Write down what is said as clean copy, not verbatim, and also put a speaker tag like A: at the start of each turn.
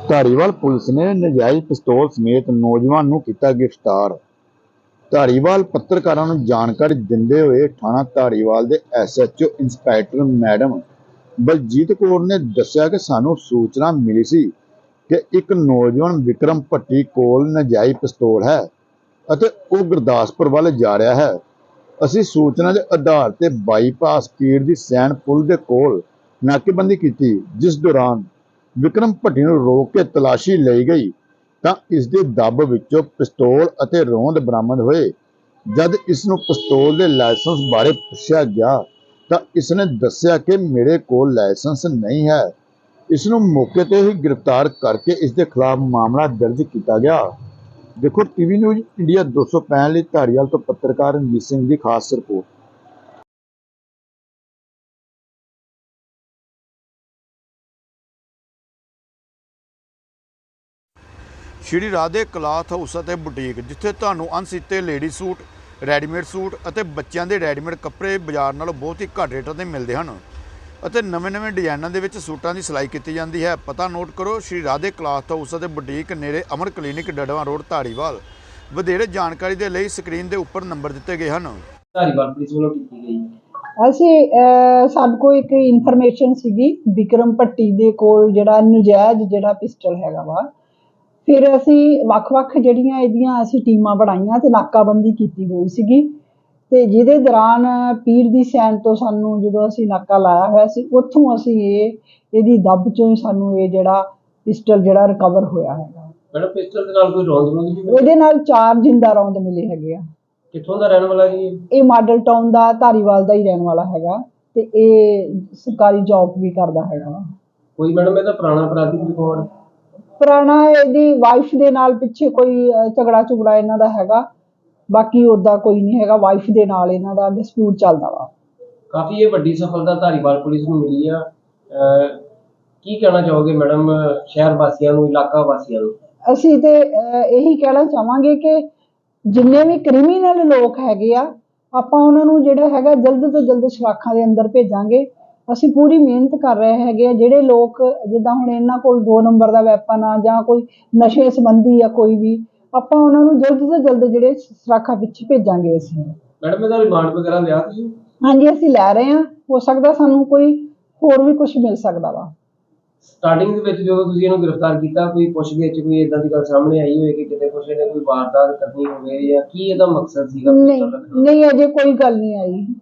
A: Dhariwal police ਨੇ ਨਜਾਇਜ਼ ਪਿਸਤੌਲ ਸਮੇਤ ਨੌਜਵਾਨ ਨੂੰ ਕੀਤਾ ਗ੍ਰਿਫਤਾਰ। ਧਾਰੀਵਾਲ ਪੱਤਰਕਾਰਾਂ ਨੂੰ ਜਾਣਕਾਰੀ ਦਿੰਦੇ ਹੋਏ ਥਾਣਾ ਧਾਰੀਵਾਲ ਦੇ SHO inspector madam Baljit Kaur ਨੇ ਦੱਸਿਆ ਕਿ ਸਾਨੂੰ ਸੂਚਨਾ ਮਿਲੀ ਸੀ ਕਿ ਇੱਕ ਨੌਜਵਾਨ ਵਿਕਰਮ ਭੱਟੀ ਕੋਲ ਨਜਾਇਜ਼ ਪਿਸਤੌਲ ਹੈ ਅਤੇ ਉਹ ਗੁਰਦਾਸਪੁਰ ਵੱਲ ਜਾ ਰਿਹਾ ਹੈ। ਅਸੀਂ ਸੂਚਨਾ ਦੇ ਆਧਾਰ ਤੇ ਬਾਈਪਾਸ ਪੀਰ ਦੀ ਸੈਣ ਪੁਲ ਦੇ ਕੋਲ ਨਾਕੇਬੰਦੀ ਕੀਤੀ, ਜਿਸ ਦੌਰਾਨ ਵਿਕਰਮ ਭੱਟੀ ਨੂੰ ਰੋਕ ਕੇ ਤਲਾਸ਼ੀ ਲਈ ਗਈ ਤਾਂ ਇਸ ਦੇ ਦੱਬ ਵਿੱਚੋਂ ਪਿਸਤੌਲ ਅਤੇ ਰੋਂਦ ਬਰਾਮਦ ਹੋਏ। ਜਦ ਇਸ ਨੂੰ ਪਿਸਤੌਲ ਦੇ ਲਾਇਸੈਂਸ ਬਾਰੇ ਪੁੱਛਿਆ ਗਿਆ ਤਾਂ ਇਸ ਨੇ ਦੱਸਿਆ ਕਿ ਮੇਰੇ ਕੋਲ ਲਾਇਸੈਂਸ ਨਹੀਂ ਹੈ। ਇਸ ਨੂੰ ਮੌਕੇ ਤੇ ਹੀ ਗ੍ਰਿਫਤਾਰ ਕਰਕੇ ਇਸ ਦੇ ਖਿਲਾਫ ਮਾਮਲਾ ਦਰਜ ਕੀਤਾ ਗਿਆ। ਦੇਖੋ ਟੀਵੀ ਨਿਊਜ਼ ਇੰਡੀਆ 265 ਲਈ ਧਾਰੀਵਾਲ ਤੋਂ ਪੱਤਰਕਾਰ ਰਣਜੀਤ ਸਿੰਘ ਦੀ ਖਾਸ report.
B: Shri Radhe cloth house ਅਤੇ ਬੁਟੀਕ, ਜਿੱਥੇ ਤੁਹਾਨੂੰ ਅਣਸੀਤੇ ਲੇਡੀ ਸੂਟ, ਰੈਡੀਮੇਡ ਸੂਟ ਅਤੇ ਬੱਚਿਆਂ ਦੇ ਰੈਡੀਮੇਡ ਕੱਪੜੇ ਬਾਜ਼ਾਰ ਨਾਲੋਂ ਬਹੁਤ ਹੀ ਘੱਟ ਰੇਟਾਂ 'ਤੇ ਮਿਲਦੇ ਹਨ ਅਤੇ ਨਵੇਂ ਡਿਜ਼ਾਈਨਾਂ ਦੇ ਵਿੱਚ ਸੂਟਾਂ ਦੀ ਸਿਲਾਈ ਕੀਤੀ ਜਾਂਦੀ ਹੈ। ਪਤਾ ਨੋਟ ਕਰੋ, ਸ਼੍ਰੀ ਰਾਧੇ ਕਲਾਥ ਹਾਊਸ ਅਤੇ ਬੁਟੀਕ, ਨੇੜੇ ਅਮਰ ਕਲੀਨਿਕ, ਡੜਵਾ ਰੋਡ, ਧਾਰੀਵਾਲ। ਵਧੇਰੇ ਜਾਣਕਾਰੀ ਦੇ ਲਈ ਸਕਰੀਨ ਦੇ ਉੱਪਰ ਨੰਬਰ ਦਿੱਤੇ ਗਏ ਹਨ।
C: ਧਾਰੀਵਾਲ ਪੁਲਿਸ ਵੱਲੋਂ ਕੀਤੀ ਗਈ।
D: ਸਾਡੇ ਕੋਲ ਇੱਕ ਇਨਫੋਰਮੇਸ਼ਨ ਸੀਗੀ ਵਿਕਰਮ ਭੱਟੀ ਦੇ ਕੋਲ ਜਿਹੜਾ ਨਜਾਇਜ਼ ਜਿਹੜਾ ਪਿਸਟਲ ਹੈਗਾ ਵਾ। ਫਿਰ ਅਸੀਂ ਵੱਖ-ਵੱਖ ਜਿਹੜੀਆਂ ਇਹਦੀਆਂ ਅਸੀਂ ਟੀਮਾਂ ਬਣਾਈਆਂ ਤੇ ਨਾਕਾਬੰਦੀ ਕੀਤੀ ਹੋਈ ਸੀਗੀ ਤੇ ਜਿਹਦੇ ਦੌਰਾਨ ਪੀਰ ਦੀ ਸੈਣ ਤੋਂ ਸਾਨੂੰ ਜਦੋਂ ਅਸੀਂ ਨਾਕਾ ਲਾਇਆ ਹੋਇਆ ਸੀ, ਉੱਥੋਂ ਅਸੀਂ ਇਹਦੀ ਦੱਬ ਚੋਂ ਹੀ ਸਾਨੂੰ ਇਹ ਜਿਹੜਾ ਪਿਸਟਲ ਜਿਹੜਾ ਰਿਕਵਰ ਹੋਇਆ ਹੈਗਾ।
C: ਮੈਡਮ ਪਿਸਟਲ ਦੇ ਨਾਲ ਕੋਈ ਰੌਂਦ ਵੀ ਮਿਲੇ?
D: ਉਹਦੇ ਨਾਲ 4 ਜਿੰਦਾ ਰੌਂਦ ਮਿਲੇ ਹੈਗੇ ਆ।
C: ਕਿੱਥੋਂ ਦਾ ਰਹਿਣ ਵਾਲਾ ਜੀ?
D: ਇਹ ਮਾਡਲ ਟਾਊਨ ਦਾ ਧਾਰੀਵਾਲ ਦਾ ਹੀ ਰਹਿਣ ਵਾਲਾ ਹੈਗਾ ਤੇ ਇਹ ਸਰਕਾਰੀ ਜੌਬ ਵੀ ਕਰਦਾ ਹੈਗਾ।
C: ਕੋਈ ਮੈਡਮ ਇਹਦਾ ਪੁਰਾਣਾ ਅਪਰਾਧਿਕ ਰਿਕਾਰਡ?
D: ਪੁਰਾਣਾ ਇਹਦੀ ਵਾਈਫ ਦੇ ਨਾਲ ਪਿੱਛੇ ਕੋਈ ਝਗੜਾ ਝੁਗੜਾ ਇਹਨਾਂ ਦਾ ਹੈਗਾ, ਬਾਕੀ ਉੱਦਾਂ ਕੋਈ ਨਹੀਂ ਹੈਗਾ। ਵਾਈਫ ਦੇ ਨਾਲ ਇਹਨਾਂ ਦਾ ਡਿਸਪਿਊਟ ਚੱਲਦਾ ਵਾ।
C: ਕਾਫੀ ਇਹ ਵੱਡੀ ਸਫਲਤਾ ਧਾਰੀਵਾਲ ਪੁਲਿਸ ਨੂੰ ਮਿਲੀ ਆ। ਕੀ ਕਹਿਣਾ ਚਾਹੋਗੇ ਮੈਡਮ ਸ਼ਹਿਰ ਵਾਸੀਆਂ ਨੂੰ, ਇਲਾਕਾ ਵਾਸੀਆਂ ਨੂੰ?
D: ਅਸੀਂ ਤੇ ਇਹੀ ਕਹਿਣਾ ਚਾਹਾਂਗੇ ਕਿ ਜਿੰਨੇ ਵੀ ਕ੍ਰਿਮੀਨਲ ਲੋਕ ਹੈਗੇ ਆ, ਆਪਾਂ ਉਹਨਾਂ ਨੂੰ ਜਿਹੜਾ ਹੈਗਾ ਜਲਦ ਤੋਂ ਜਲਦ ਸਲਾਖਾਂ ਦੇ ਅੰਦਰ ਭੇਜਾਂਗੇ। ਅਸੀਂ ਪੂਰੀ ਮਿਹਨਤ ਕਰ ਰਹੇ ਹੈਗੇ ਆ। ਜਿਹੜੇ ਲੋਕ ਜਿੱਦਾਂ ਹੁਣ ਇਹਨਾਂ ਕੋਲ 2 ਨੰਬਰ ਦਾ ਵੈਪਨ ਆ ਜਾਂ ਕੋਈ ਨਸ਼ੇ ਸੰਬੰਧੀ ਆ ਕੋਈ ਵੀ, ਆਪਾਂ ਉਹਨਾਂ ਨੂੰ ਜਲਦ ਤੋਂ ਜਲਦ ਜਿਹੜੇ ਸਲਾਖਾਂ ਪਿੱਛੇ ਭੇਜਾਂਗੇ। ਅਸੀਂ
C: ਮੈਡਮ ਇਹਦਾ ਰਿਮਾਂਡ ਵਗੈਰਾ ਲਿਆ ਤੁਸੀਂ?
D: ਹਾਂਜੀ, ਅਸੀਂ ਲੈ ਰਹੇ ਹਾਂ। ਹੋ ਸਕਦਾ ਸਾਨੂੰ ਕੋਈ ਹੋਰ ਵੀ ਕੁਝ ਮਿਲ ਸਕਦਾ ਵਾ।
C: ਸਟਾਰਟਿੰਗ ਦੇ ਵਿੱਚ ਜਦੋਂ ਤੁਸੀਂ ਇਹਨੂੰ ਗ੍ਰਿਫਤਾਰ ਕੀਤਾ, ਕੋਈ ਪੁੱਛਗਿੱਛ ਚ ਕੋਈ ਇਦਾਂ ਦੀ ਗੱਲ ਸਾਹਮਣੇ ਆਈ ਹੋਵੇ ਕਿ ਕਿਤੇ ਕੁਛ ਇਹਨੇ ਕੋਈ ਵਾਰਦਾਤ ਕਰਨੀ ਹੋਵੇ, ਜਾਂ ਕੀ ਇਹਦਾ ਮਕਸਦ ਸੀਗਾ?
D: ਨਹੀਂ, ਅਜੇ ਕੋਈ ਗੱਲ ਨਹੀਂ ਆਈ।